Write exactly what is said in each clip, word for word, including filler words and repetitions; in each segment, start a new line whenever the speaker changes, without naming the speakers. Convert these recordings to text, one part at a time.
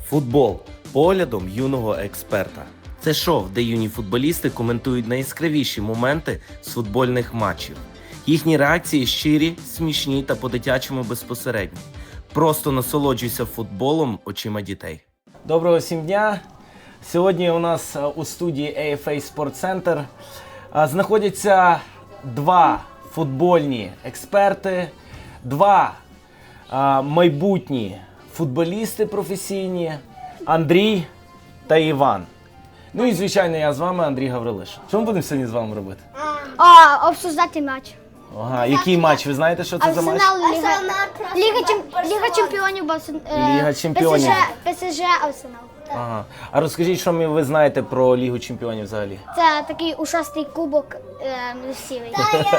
Футбол поглядом юного експерта. Це шоу, де юні футболісти коментують найяскравіші моменти з футбольних матчів. Їхні реакції щирі, смішні та по-дитячому безпосередні. Просто насолоджуйся футболом очима дітей. Доброго всім дня! Сьогодні у нас у студії ей еф ей Sport Center знаходяться два футбольні експерти, два а, майбутні футболісти професійні – Андрій та Іван. Ну і, звичайно, я з вами, Андрій Гаврилиш. Що ми будемо сьогодні з вами робити?
А, обсуждати матч.
Ага, який матч? Ви знаєте, що це за матч?
Арсенал, Ліга, Ліга, Чемп- Ліга чемпіонів, Барселон- е,
Ліга чемпіонів.
ПСЖ, ПСЖ, Арсенал.
Ага. А розкажіть, що ви знаєте про Лігу чемпіонів взагалі?
Це такий ушастий кубок е, сірий.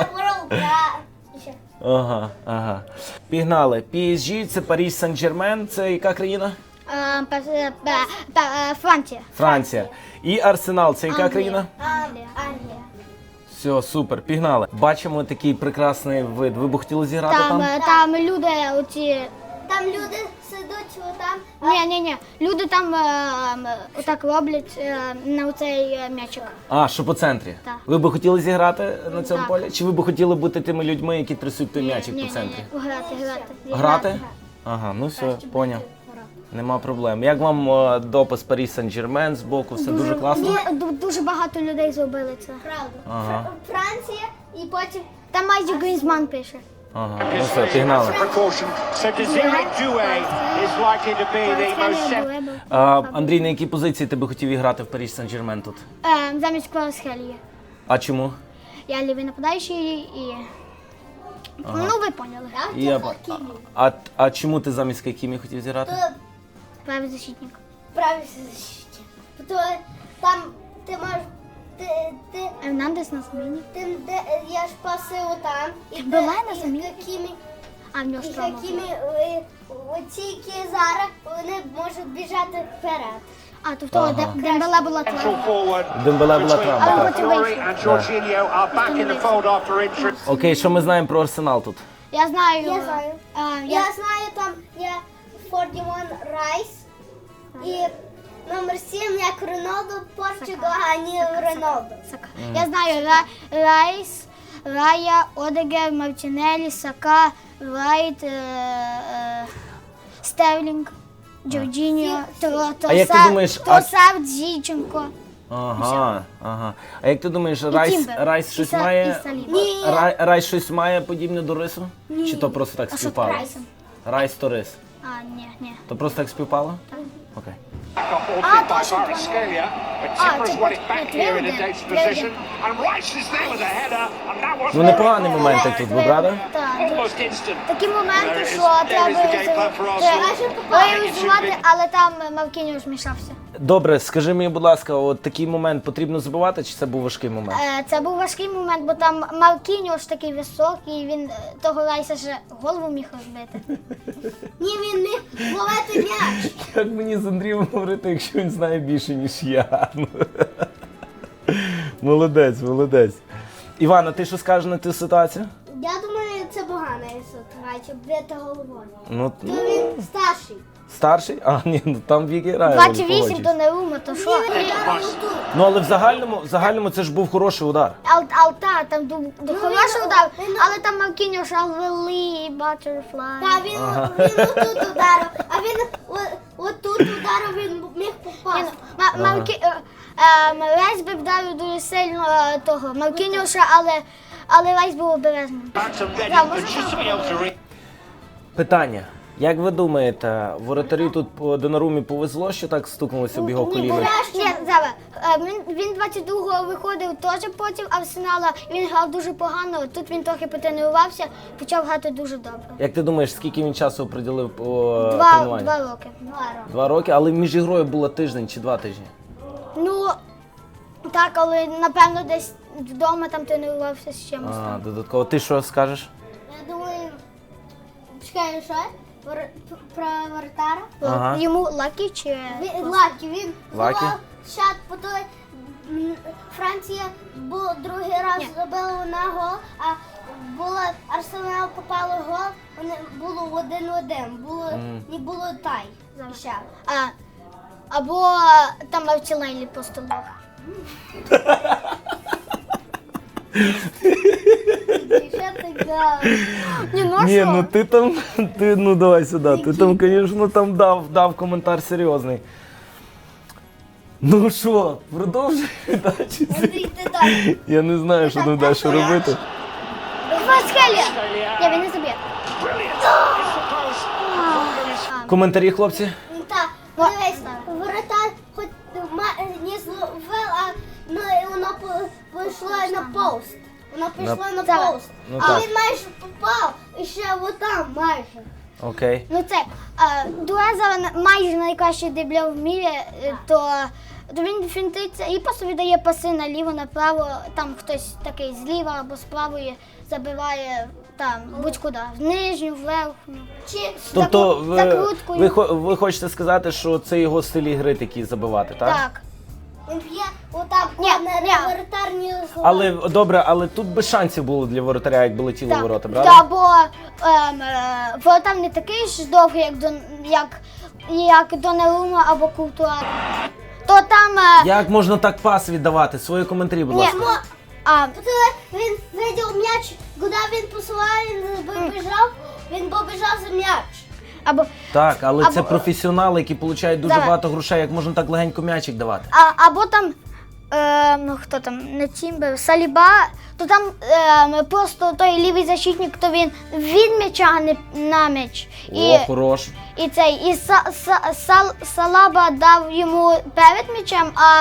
Ага, ага. Пігнали. пі ес джі – це Париж Сен-Жермен, це яка країна?
Е, Пе- е, Пе- Пе- е, Франція.
Франція. І Арсенал – це яка
Англія.
країна?
Англія. Англія.
Все, супер, пігнали. Бачимо такий прекрасний вид. Ви б хотіли зіграти
Там,
там?
е, там люди оці...
Там люди сидуть отам.
Ні, ні, ні. Люди там е, м, отак роблять е, на оцей е, м'ячик.
А, що по центрі?
Так.
Ви б хотіли зіграти на цьому
Так.
полі? Чи ви б хотіли бути тими людьми, які трясуть той м'ячик
Ні,
по
ні,
центрі?
ні. Грати, грати.
Грати? Ага, ну все, поняв. Нема проблем. Як вам е, допис Париж Сен-Жермен з боку? Все дуже класно?
Ду- ду- Дуже багато людей зробили це.
Правда.
Ага.
Фр- Франція і потім
Там майже Грізман пише.
Ага, ну все, пігнали.
Precaution. So Desiree Doué is likely to be the most set.
А, Андрій, на якій позиції ти би хотів іграти в Париж Сен-Жермен тут?
Е, замість Кварцхелії.
А чому?
Я лівий нападаючий і... Ну, ви поняли.
І я ба- а, а, а чому ти замість Кімі хотів зіграти?
Правий защитник.
правильно защиті. То там ти можеш ти, ти,
Ернандес на заміні.
ти де я ж паси отам і
Була
ти-
на
і
заміні?
Хакімі,
А в нього
і
штраф.
Хакімі, е, оці, які зараз, вони можуть біжати вперед.
А, то в того
Ага.
Де- Дембеле була
Central
травма.
forward
Дембеле була
between
травма,
так.
Alba Fiore and Jorginho are back in the fold after injury.
Окей, що ми знаємо про Арсенал тут?
Я знаю.
Я знаю.
е,
Я
я...
знаю, там є сорок один Райс і номер сім, як Роналдо, Португал, а не Роналдо.
Сака. Я знаю Ра... Райс, Рая, Одегер, Мартінелі, Сака, Райт, е... е... Стерлінг, Джорджіньо, Тро-
А як ти
Троса-
думаєш, а-
Тросард, Зіченко.
Ага, ага. А як ти думаєш, Райс,
Тімбер.
Райс
І
щось
Са-
має?
і Саліба.
Ні.
Рай, Райс щось має подібне до рису? Чи то просто так
А що
співпало?
Райсом?
Райс то рис.
А, ні, ні.
То просто так співпало? Окей.
Back up ball
Ah,
by
точно,
Kvaratskhelia, but
Ah,
Timber's
це
won it back
Тверде,
here in a dangerous
Тверде.
position, and Rice is there with a header, and that was
Ну непогані моменти тут, ви правда?
Так.
almost instant.
Такі моменти,
There
що
is-
треба
there is the game plan for Arsenal.
реалізувати, але там Маркініо змішався.
Добре, скажи мені, будь ласка, от такий момент потрібно забувати, чи це був важкий момент?
Е, Це був важкий момент, бо там Маркініо ж такий високий, він е, того Райса ще голову міг розбити.
Ні, він міг ловити м'яч.
Як мені з Андрієм говорити, якщо він знає більше, ніж я? Молодець, молодець. Івана, ти що скажеш на цю ситуацію?
Я думаю, це погана ситуація, бити головою.
Ну,
То він старший.
старший? А, ні, ну там вік грає.
двадцять
Олі,
вісім
погоджуюсь.
то не рума, то що?
Він вдарив отут.
Ну, але в загальному, в загальному це ж був хороший удар.
Ал, алта, там ду, ду, хороший
він-
удар,
він-
але там Маркініо ж Алвели, Баттерфлай.
Та він, він отут ударив, а він о- отут ударив, він міг попасти.
Ма- Маркі... е, е, Райс би вдарив дуже сильно е, того Маркініоша, але, але Райс був обережним.
Back to Reading,
Yeah,
but
wasn't
just to be able to read.
Питання. Як ви думаєте, воротарю тут по Донарумі повезло, що так стукнулося об його коліно?
Ні, зараз. е, Він, він двадцять другого виходив теж проти Арсенала, він грав дуже погано, тут він трохи потренувався, почав грати дуже добре.
Як ти думаєш, скільки він часу приділив по
Два,
тренуванню?
два роки.
Два роки, але між ігрою було тиждень чи два тижні?
Ну, так, але напевно десь вдома там тренувався з чимось.
А, додатково. Ти що скажеш?
Я думаю, чекай, що? Вор- Про вратара?
Ага.
Йому лакі чи...
Він, Лакі, він
Лакі?
забив шат, по той м, Франція бу, другий раз
Ні.
забила на гол, а було Арсенал попало гол, вони було один-один, було, не було тай. Ще.
А, Або там Мавчелелі по столу. Ні, ну
Ні,
що?
ну ти там, ти, ну давай сюди, ти там, звісно, там дав, дав коментар серйозний. Ну що, продовжуй далі? Я не знаю, що тут далі робити.
Васкелія! Я він не заб'є.
Brilliant. It's the post. Wonder is-
Коментарі, хлопці?
Так, дивись, воротар хоч ма- не зловив, а ну, і воно по- пішло на пост. Воно пішло на
Так.
пост.
Ну,
А
так.
він майже попав, і ще отам майже.
Окей.
Ну це е, Дуеза на- майже найкращий дебля в мірі, е, то, то він фінтиться і просто віддає паси наліво, направо, там хтось такий зліва або з правої забиває там будь-куди, в нижню, в верхню.
Чи
Тобто
Закру-
ви,
закруткою.
ви, хо- ви хочете сказати, що це його стиль ігри такий забивати, так?
Так.
він б'є отак
Ні,
на
ні.
воротар не зловив.
Але добре, але тут без шансів було для воротаря, якби летіло
Так,
ворота, правда?
да, бо ем, е, воротар не такий ж довгий, як до як, як Донарума або Куртуа. То там е,
Як можна так пас віддавати? Свої коментарі, будь
ні,
ласка.
а,
Коли він видів м'яч, куди він посилав, він побіжав, він побіжав за м'яч.
або
Так, але
або-
це професіонали, які отримують дуже
Давай.
багато грошей. Як можна так легенько м'ячик давати?
А, або там, е, ну хто там, не Тімбер, Саліба, то там е, просто той лівий защитник, то він від м'яча, а не на м'яч. І,
О, хорош.
і цей, і са, са, сал, Салаба дав йому перед м'ячем, а,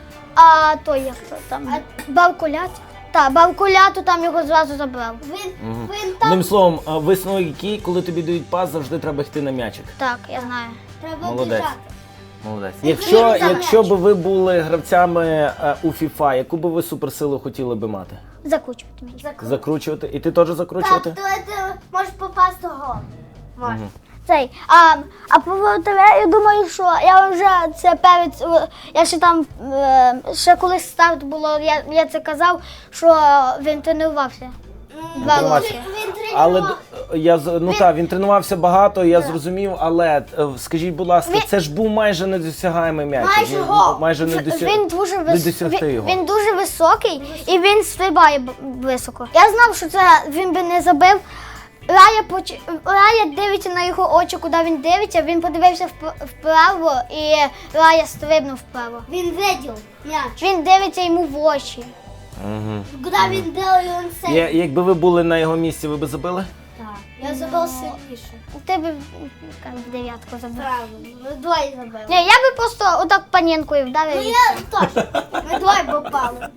а той, як то там, Бавкулят. Так, Бавкуляту там його зразу забрав.
Він,
Мгм.
він там
Одним словом, а, висновок який, коли тобі дають пас, завжди треба йти на м'ячик.
Так, я знаю.
треба
Молодець.
біжати.
Молодець.
Він
Якщо,
за
якщо
м'яч.
б ви були гравцями е, у FIFA, яку би ви суперсилу хотіли би мати?
Закручувати м'яч.
Закручувати? І ти теж закручувати?
Так, то ти можеш попасти в гол. Може.
Цей, а, а по воротаря, я думаю, що я вже це перед, е, я ще там, е, ще коли старт було, я, я це казав, що він тренувався. Два
Тренувався.
роки.
Він
Але
тренував.
д- я з- ну так, він тренувався багато, я зрозумів, але е, скажіть, будь ласка,
Він-
це ж був майже недосягаємий м'яч.
Майже
Ну,
гол.
майже не,
В-
досяг...
Він дуже
не
вис...
досягти
він,
його.
він дуже високий і він стрибає б- високо. Я знав, що це він би не забив. Рая, поч... Рая дивиться на його очі, куди він дивиться, він подивився вп- вправо і Рая стрибнув вправо.
Він видів м'яч.
Він дивиться йому в очі.
Угу.
Куди він дав, і він все.
Я, якби ви були на його місці, ви б забили?
Так. Я забив сильніше.
Ти б як в дев'ятку забив.
Правильно. Ми двоє забили.
Ні, я би просто отак панінкою вдарив.
Ну
і
я теж. Ми двоє попали.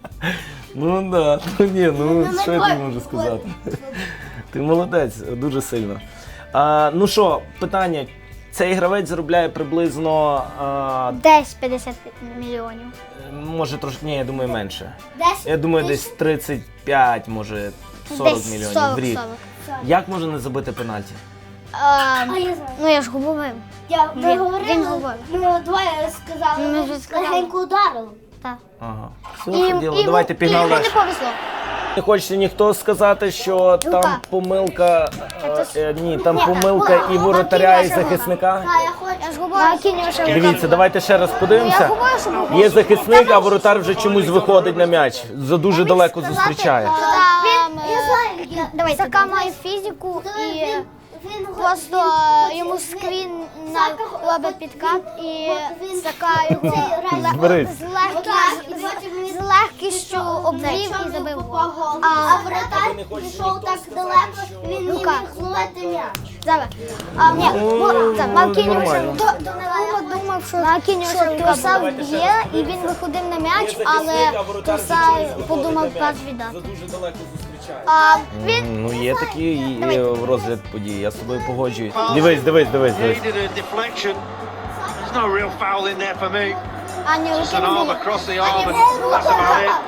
Ну да, ну ні, ну
Ну, ми
що я
двоє
тобі можу
попали.
сказати? Ти молодець, дуже сильно. А, ну що, питання. Цей гравець заробляє приблизно, а,
Десь п'ятдесят мільйонів.
може трошки, ні, я думаю, менше.
Десь.
Я думаю, десь тридцять п'ять, може сорок
Десь
мільйонів
сорок,
в рік.
сорок.
Як можна не забити пенальті?
А,
А я знаю.
ну я ж говорив.
Я, ми
Він-
говорили,
він говорив.
ми двоє сказали,
Ну, ми
ми
вже сказали.
легенько ударили.
Так.
Ага. Все,
І,
діло,
і,
давайте
і
пігнали.
йому не повезло.
Не хочете ніхто сказати, що там
Лука.
помилка, е, е, ні, там
Ні,
помилка
Лука,
і воротаря, і
Лука, Лука.
захисника?
Так, я хочу.
Я ж говорю,
Дивіться, давайте ще раз
Я
подивимося.
говорю, що був.
Є захисник, а воротар вже чомусь виходить на м'яч. За дуже далеко зустрічає.
Там,
Я
е,
знаю, я-
Давай, Сака має фізику
Він-
і
він- він
просто
він-
е, йому
він-
скрін
Сака-
на робить підкат і
він-
Сака його
Цей
ле-
Зберись.
з легкістю, з легкістю обвів і забив гол.
А
А
вратар пішов так далеко, він не
Лука.
міг зловити м'яч.
зараз. А, ні,
Ну,
так, Маркініо
нормально.
Донелума думав, що Маркініо Тросар б'є, і він виходив на м'яч, але Тросар подумав пас віддати.
дуже далеко зустрічає.
А, він
Ну є такі і є в розгляд подій, я з тобою погоджуюсь. Дивись, дивись, дивись,
He
дивись.
did a deflection. There's no real foul in there for me.
Ані
Just an arm
руки
across the arm, and that's about it.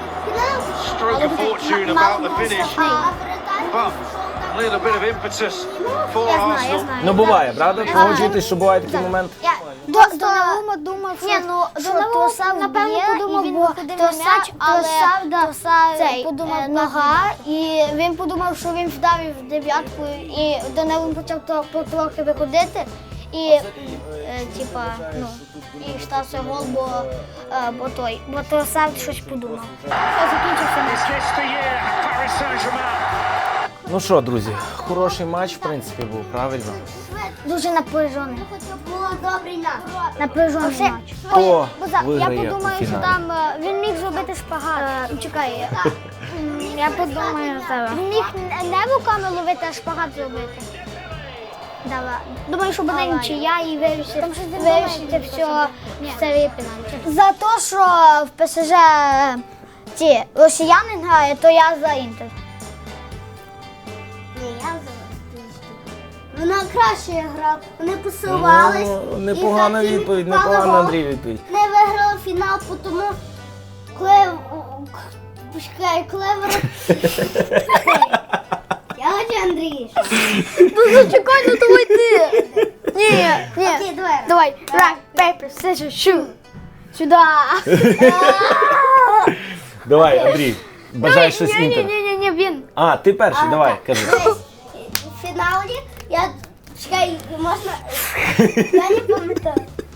Stroke of fortune about the finish, but a little bit of impetus for
Я знаю, я
Arsenal.
знаю.
Ну буває, правда? Погоджуєтесь, що буває такий момент?
Я до Донелума думав, що, що Тросар напевно подумав, і він виходив на м'яч, але Тросар цей, подумав нога, і він подумав, що він вдарив дев'ятку, і Донелум почав то- потрохи виходити, І, е, типа, ну, і стався гол, бо, е, бо той, бо Тросард щось подумав. Все, закінчився матч.
Is this the year at Paris Saint-Germain?
Ну що, друзі, хороший матч, в принципі, був правильно.
Дуже напряжений.
Було добрий нас.
Напряжений матч.
Хто
Бо за- я
виграє у
подумаю, що
фіналі?
там е, він міг зробити шпагат. Е, чекай, м, я подумаю зараз. Він міг не- не руками ловити, а шпагат зробити. Давай. Думаю, що буде нічия і вирішити, вирішити все в серії пенальті. За те, що в ПСЖ е, ті росіяни грають, то я за Інтер.
Ні, я за Вона краще грав. Вони посувались.
Ну,
і
непогана
затім
відповідь,
впали
непогана,
гол.
Андрій, відповідь.
Не виграли фінал, тому коли почекай, коли вир- Я хочу Андрій.
Ну зачекай, ну давай ти. Ні, ні.
Окей, давай.
Давай, rock, paper, scissors, shoot. Сюди.
Давай, Андрій, бажаєш щось
Ні, ні,
Інтер.
ні, ні, ні, він.
А, ти перший, давай, кажи.
Дивись, в фіналі я чекай, можна. Я не пам'ятаю.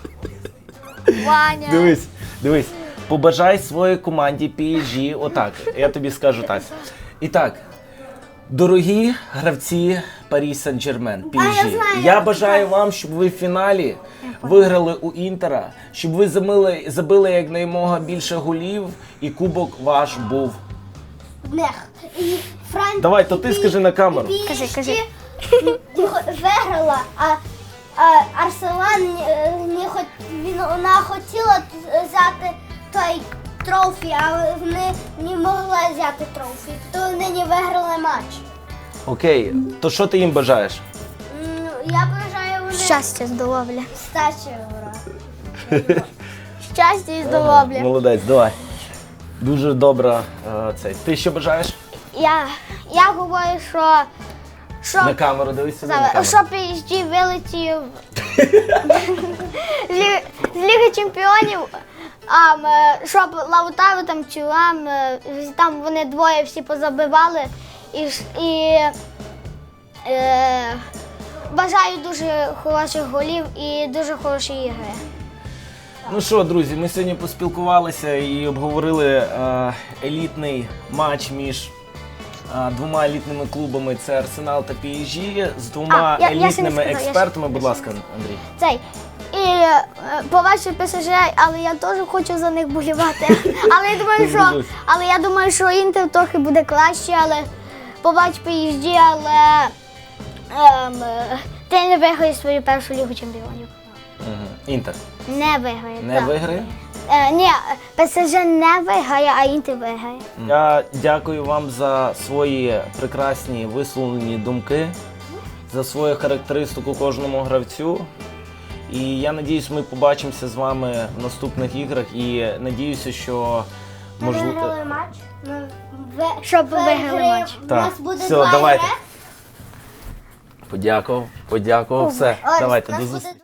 Ваня.
Дивись, дивись, побажай своїй команді пі ес жі отак, я тобі скажу так. І так, дорогі гравці Парі Сен-Жермен, пі ес
А, я
жі,
знаю,
я
я
бажаю вам, щоб ви в фіналі виграли у Інтера, щоб ви забили, забили якнаймога більше голів і кубок ваш був.
Нех. І Франція.
Давай, то ти скажи на камеру.
Кажи, кажи.
Виграла, а, а Арсенал не, не хот, він, вона хотіла взяти той трофі, а вони не могли взяти трофі, то вони не виграли матч.
Окей, то що ти їм бажаєш?
М, Я бажаю вони
Щастя, здоров'я.
стачі грати.
Щастя і здоров'я.
Молодець, давай. Дуже добра е, цей. Ти що бажаєш?
Я, я говорю, що, що,
На камеру, дивись собі на камеру.
зараз, що пі ес жі вилетів з Ліги, з Ліги Чемпіонів, а, м, щоб Лаутаро там Тюрам, е, там вони двоє всі позабивали. І, ж- і е, бажаю дуже хороших голів і дуже хорошої ігри.
Ну що, друзі, ми сьогодні поспілкувалися і обговорили е, елітний матч між е, двома елітними клубами. Це Арсенал та пі ес жі з двома
А, я- я ще не
елітними
сказала, я ще-
експертами.
я
Будь
ще
ласка, Андрій.
Цей. І е, побачив ПСЖ, але я теж хочу за них болівати. Але я думаю, що,
Дуже.
але я думаю, що Інтер трохи буде краще, але побач пі ес жі, але ем, е, ти не виграєш свою першу лігу чемпіонів.
Угу. Інтер
Не виграє.
не
так.
виграє.
Е, ні, ПСЖ не виграє, а Інтер виграє.
Я дякую вам за свої прекрасні висловлені думки, за свою характеристику кожному гравцю. І я надіюсь, ми побачимося з вами в наступних іграх і надіюся, що
Ми
можливо.
виграли матч. Ми ви-
Щоб ви виграли
виграємо.
матч.
У
Так,
нас буде
все,
два
давайте.
ігри.
Подякував, подякував, все.
Ось,
Давайте
у нас
до
буде
зустрічі.